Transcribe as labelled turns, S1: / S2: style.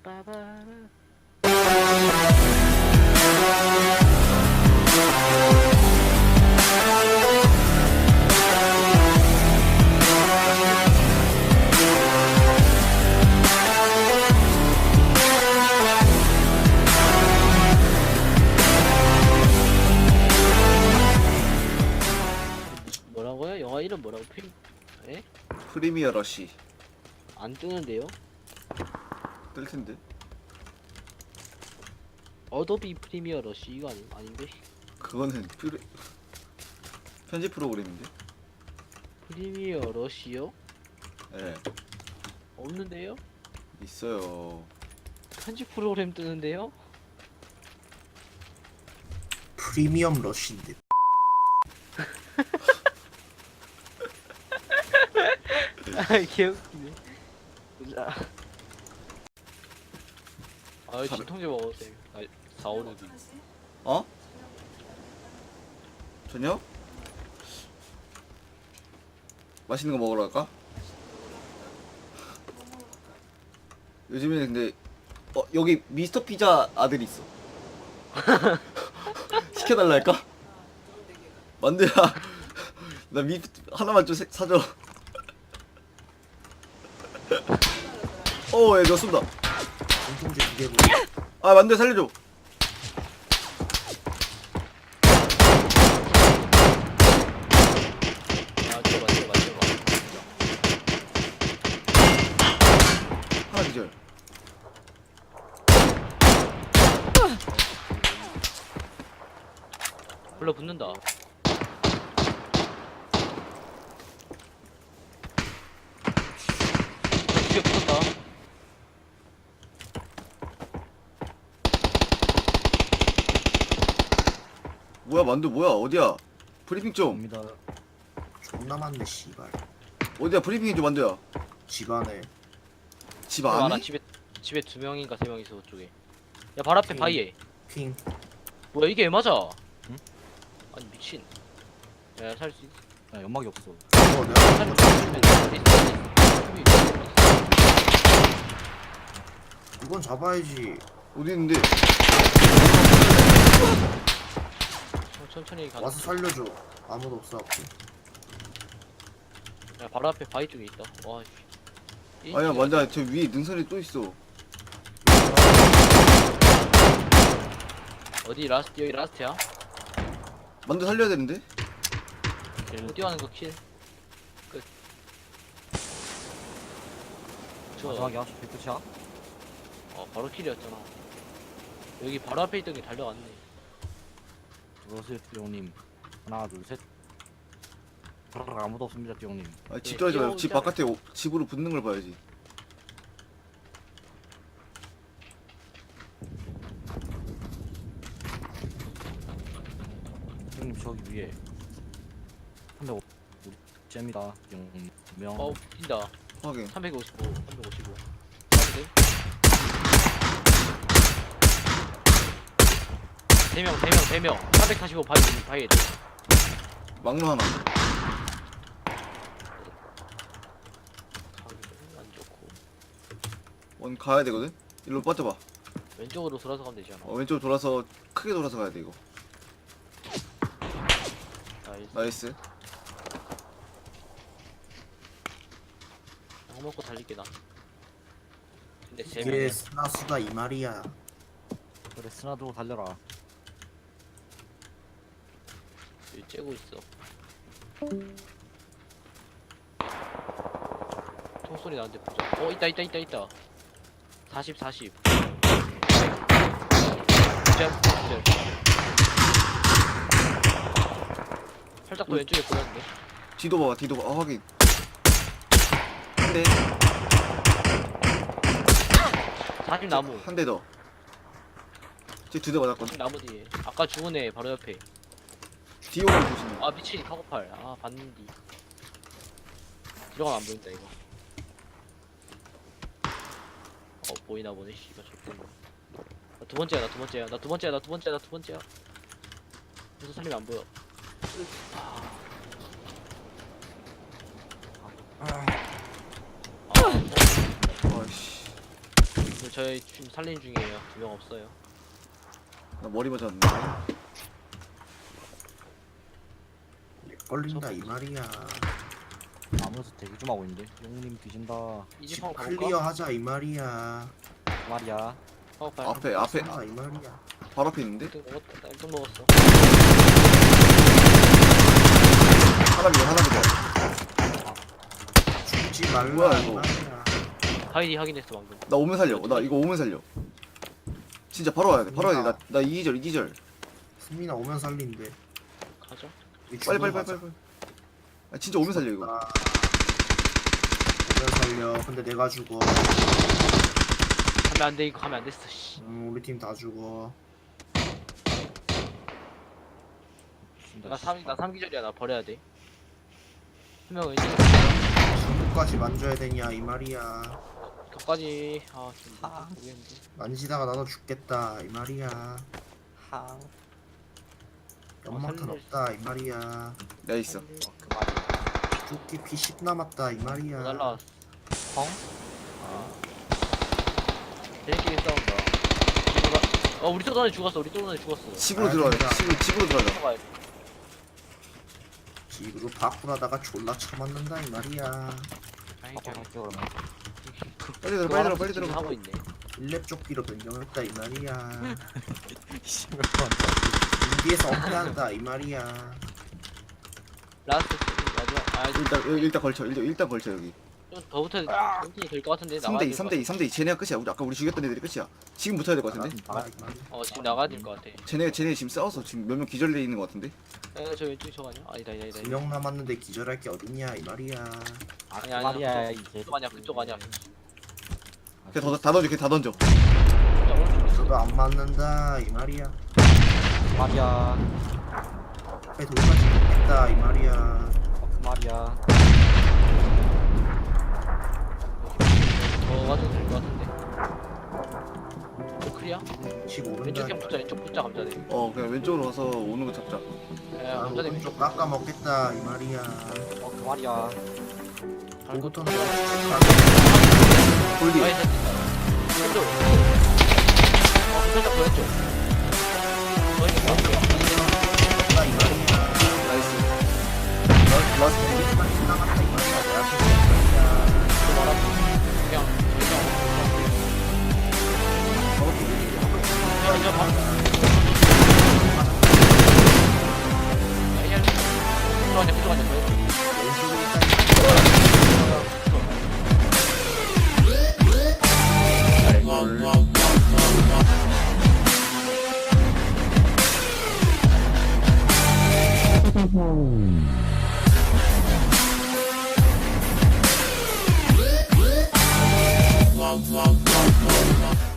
S1: 빠바라. 뭐라고요? 영화 이름 뭐라고? 에?
S2: 프리미어 러시
S1: 안 뜨는데요?
S2: 뜰 텐데.
S1: 어도비 프리미어 러시 이거 아닌데?
S2: 그거는 편집 프로그램인데.
S1: 프리미어 러시요?
S2: 예,
S1: 없는데요?
S2: 있어요.
S1: 편집 프로그램 뜨는데요?
S3: 프리미엄 러쉬인데.
S1: 아 개웃기네. 아 진통제 먹었어요. 아 4, 5, 6이.
S2: 어? 저녁? 맛있는 거 먹으러 갈까? 요즘에 근데 여기 미스터 피자 아들이 있어. 시켜달라 할까? 만두야, 나 하나만 좀 사줘. 얘 너 쏜다.
S3: 공통제 2개고.
S2: 아, 만두야 살려줘.
S1: 아 맞죠.
S2: 하나 기절.
S1: 불러 붙는다. 뒤에 붙었다.
S2: 뭐야 만두 뭐야 어디야? 브리핑 좀.
S3: 옵니다. 존나 많네 씨발.
S2: 어디야 브리핑이 좀 만두야.
S3: 집 안에.
S2: 집
S1: 아,
S2: 안에?
S1: 나 집에 2명인가 3명 있어 그쪽에. 야 발 앞에 바위에.
S3: 핑.
S1: 뭐야 이게 왜 맞아?
S4: 응?
S1: 아니 미친. 야 살 수 있어.
S4: 야 연막이 없어.
S3: 내가
S1: 살수 있으면
S3: 이건 잡아야지.
S2: 어디 있는데?
S1: 천천히 가.
S3: 와서 살려줘. 아무도 없어갖고.
S1: 야 바로 앞에 바위 쪽에 있다. 와. 씨.
S2: 아니야 만두야 저 위에 능선이 또 있어.
S1: 어디 라스트 여기 라스트야?
S2: 만두 살려야 되는데?
S1: 뛰어가는 거 킬. 끝.
S4: 마지막이야? 저 끝이야?
S1: 바로 킬이었잖아. 여기 바로 앞에 있던 게 달려갔네.
S4: 들어오세요 띠용님. 하나 둘 셋. 아무도 없습니다 띠용님.
S2: 아, 집 들어가지 말고 집
S1: 뛰어오자.
S2: 바깥에 집으로 붙는 걸 봐야지.
S4: 띠용님 저기 위에 305 우리 잼이다 띠용님. 명.
S1: 뛴다.
S2: 확인.
S1: 355. 355. 가도 돼? 3명. 445 바위에 돼.
S2: 막루 하나.
S1: 안 좋고.
S2: 원 가야 되거든. 일로 빠져봐.
S1: 왼쪽으로 돌아서 가면 되지 않아?
S2: 왼쪽 돌아서 크게 돌아서 가야 돼 이거.
S1: 나이스.
S2: 나이스.
S1: 약 먹고 달릴게 나. 근데
S3: 이게
S1: 3명이야.
S3: 스나수다 이 말이야.
S4: 그래 스나 들고 달려라.
S1: 여기 째고 있어. 총소리 나는데 보자. 있다. 40. 기절. 살짝 더 왼쪽에 보였는데.
S2: 뒤도 봐봐 뒤도 봐. 확인. 한 대.
S1: 40 나무.
S2: 한 대 더. 지금 2대 맞았거든.
S1: 40 나무 뒤에. 아까 죽은 애 바로 옆에.
S2: 뒤 오면 조심해.
S1: 아 미친 카고팔. 아 봤는디. 들어가면 안 보인다 이거. 보이나 보네. 씨발 좋겠네. 나 두 번째야. 무슨 살리면 안 보여.
S2: 아이씨.
S1: 저희 지금 살린 중이에요. 2명 없어요.
S2: 나 머리 맞았는데.
S3: 걸린다 이 말이야.
S4: 아무래도 대기 좀 하고 있는데. 용님 뒤진다.
S1: 이
S3: 집
S1: 집 한번
S3: 클리어
S1: 가볼까?
S3: 하자 이 말이야.
S4: 그 말이야.
S2: 앞에
S3: 하자 이 말이야.
S2: 바로 앞에 있는데?
S1: 1등 먹었다. 1등 먹었어.
S2: 하나 보자.
S3: 죽지 말라
S2: 뭐야,
S3: 이
S2: 이거.
S3: 말이야.
S1: 하이디 확인했어 방금.
S2: 나 오면 살려. 나 이거 오면 살려. 진짜 바로 와야 돼. 바로 와야 돼. 나 이기절.
S3: 승민아 오면 살린대.
S1: 가자.
S3: 이
S2: 빨리.
S3: 죽으러 가자.
S2: 아 진짜 오면 살려 이거.
S3: 아, 오면 살려. 근데 내가 죽어.
S1: 가면 안 돼. 이거 가면 안 됐어. 씨.
S3: 우리 팀 다 죽어.
S1: 나 3기절이야. 나 버려야 돼. 한 명은 이제
S3: 전부까지 만져야 되냐 이 말이야.
S1: 격까지. 아 지금
S4: 아.
S1: 모르겠는데.
S3: 만지다가 나도 죽겠다 이 말이야.
S4: 하.
S3: 연막탄
S1: 살릴
S3: 없다 이 말이야.
S2: 나 있어.
S4: 그 말이야.
S3: 조끼 피10 남았다 이 말이야.
S1: 날라왔어.
S4: 펑?
S1: 쟤네끼리 싸운다. 우리 또 전에 죽었어. 우리 또 전에 죽었어.
S2: 집으로
S3: 아,
S2: 들어가자.
S3: 진짜.
S2: 집으로 들어가자.
S1: 들어가야 돼.
S3: 집으로 바꾸라다가 졸라 쳐맞는다 이 말이야.
S1: 아이,
S4: 아빠 갈게 그러면.
S2: 빨리 들어가.
S1: 하고 있네.
S3: 1렙 조끼로 변경했다 이 말이야.
S4: 씨발.
S3: 인디에서 어패한다 이 말이야.
S1: 라스트 마지막.
S2: 일단 걸쳐. 일단 걸쳐 여기.
S1: 좀 더 붙어야 돼. 될것 같은데.
S2: 3대2. 쟤네가 끝이야. 아까 우리 죽였던 애들이 끝이야. 지금 붙어야 될 것 같은데?
S4: 나가.
S3: 이 말이야.
S1: 지금 나가야 될 것 같아.
S2: 쟤네 지금 싸워서 지금 몇 명 기절돼 있는 것 같은데?
S1: 저 왼쪽이 저거 아니야? 아니다.
S3: 2명 남았는데 기절할 게 어딨냐 이 말이야.
S4: 아, 그
S1: 아니야,
S4: 말이야
S1: 그쪽.
S4: 이제.
S1: 그쪽 아니야. 그쪽 아니야.
S2: 그냥 다 던져. 다 던져.
S1: 진짜 오른쪽에 있어.
S3: 저도 안 맞는다 이 말이야.
S4: 그 말이야.
S3: 앞에 돌까지 죽겠다 이 말이야.
S4: 그 말이야.
S1: 더 가도 될 것 같은데. 클리어?
S3: 집 오른다.
S1: 왼쪽 형 붙자. 왼쪽 붙자 감자대.
S2: 그냥 왼쪽으로 가서 오는 거 잡자.
S3: 아,
S1: 감자대
S3: 오른쪽
S1: 왼쪽.
S3: 깎아 먹겠다 이 말이야.
S4: 그 말이야.
S3: 오부터는
S2: 골디.
S1: 왼쪽. 살짝 더 왼쪽. 더 왼쪽.
S3: 깎아 이 말이야.
S2: 나이스. 라스트.
S3: 빨리 나갔다 이 말이야. 내가 죽겠다.
S1: 그냥 그냥 봐. 그쪽 아니야.
S3: 왼쪽에 있다.
S5: Wow, wow, wow, wow, wow.